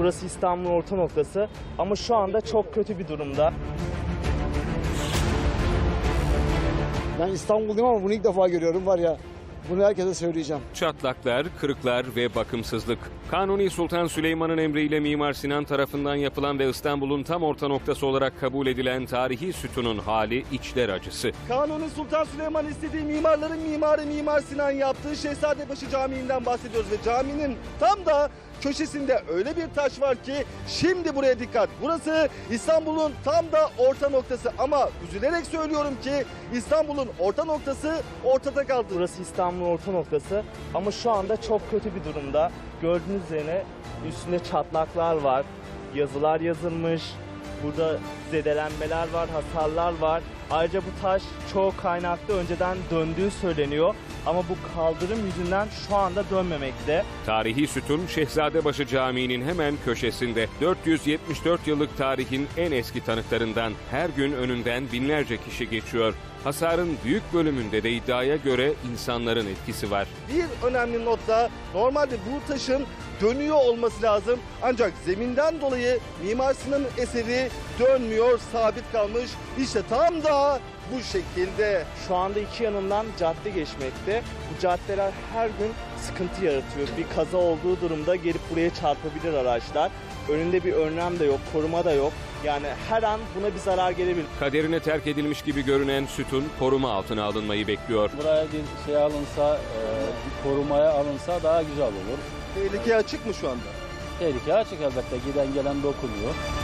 Burası İstanbul'un orta noktası ama şu anda çok kötü bir durumda. Ben İstanbul'dayım ama bunu ilk defa görüyorum var ya. Bunu herkese söyleyeceğim. Çatlaklar, kırıklar ve bakımsızlık. Kanuni Sultan Süleyman'ın emriyle Mimar Sinan tarafından yapılan ve İstanbul'un tam orta noktası olarak kabul edilen tarihi sütunun hali içler acısı. Kanuni Sultan Süleyman istediği mimarların mimarı Mimar Sinan yaptığı Şehzadebaşı Camii'nden bahsediyoruz ve caminin tam da köşesinde öyle bir taş var ki şimdi buraya dikkat. Burası İstanbul'un tam da orta noktası ama üzülerek söylüyorum ki İstanbul'un orta noktası ortada kaldı. Burası İstanbul'un orta noktası ama şu anda çok kötü bir durumda. Gördüğünüz üzere üstünde çatlaklar var, yazılar yazılmış, burada zedelenmeler var, hasarlar var. Ayrıca bu taş çoğu kaynakta önceden döndüğü söyleniyor ama bu kaldırım yüzünden şu anda dönmemekte. Tarihi sütun Şehzadebaşı Camii'nin hemen köşesinde. 474 yıllık tarihin en eski tanıklarından her gün önünden binlerce kişi geçiyor. Hasarın büyük bölümünde de iddiaya göre insanların etkisi var. Bir önemli not da normalde bu taşın dönüyor olması lazım. Ancak zeminden dolayı Mimar Sinan'ın eseri dönmüyor, sabit kalmış. İşte tam da bu şekilde. Şu anda iki yanından cadde geçmekte. Bu caddeler her gün sıkıntı yaratıyor. Bir kaza olduğu durumda gelip buraya çarpabilir araçlar. Önünde bir önlem de yok, koruma da yok. Yani her an buna bir zarar gelebilir. Kaderine terk edilmiş gibi görünen sütun koruma altına alınmayı bekliyor. Buraya bir şey alınsa, bir korumaya alınsa daha güzel olur. Tehlikeye açık mı şu anda? Tehlike açık elbette, giden gelen dokunuyor.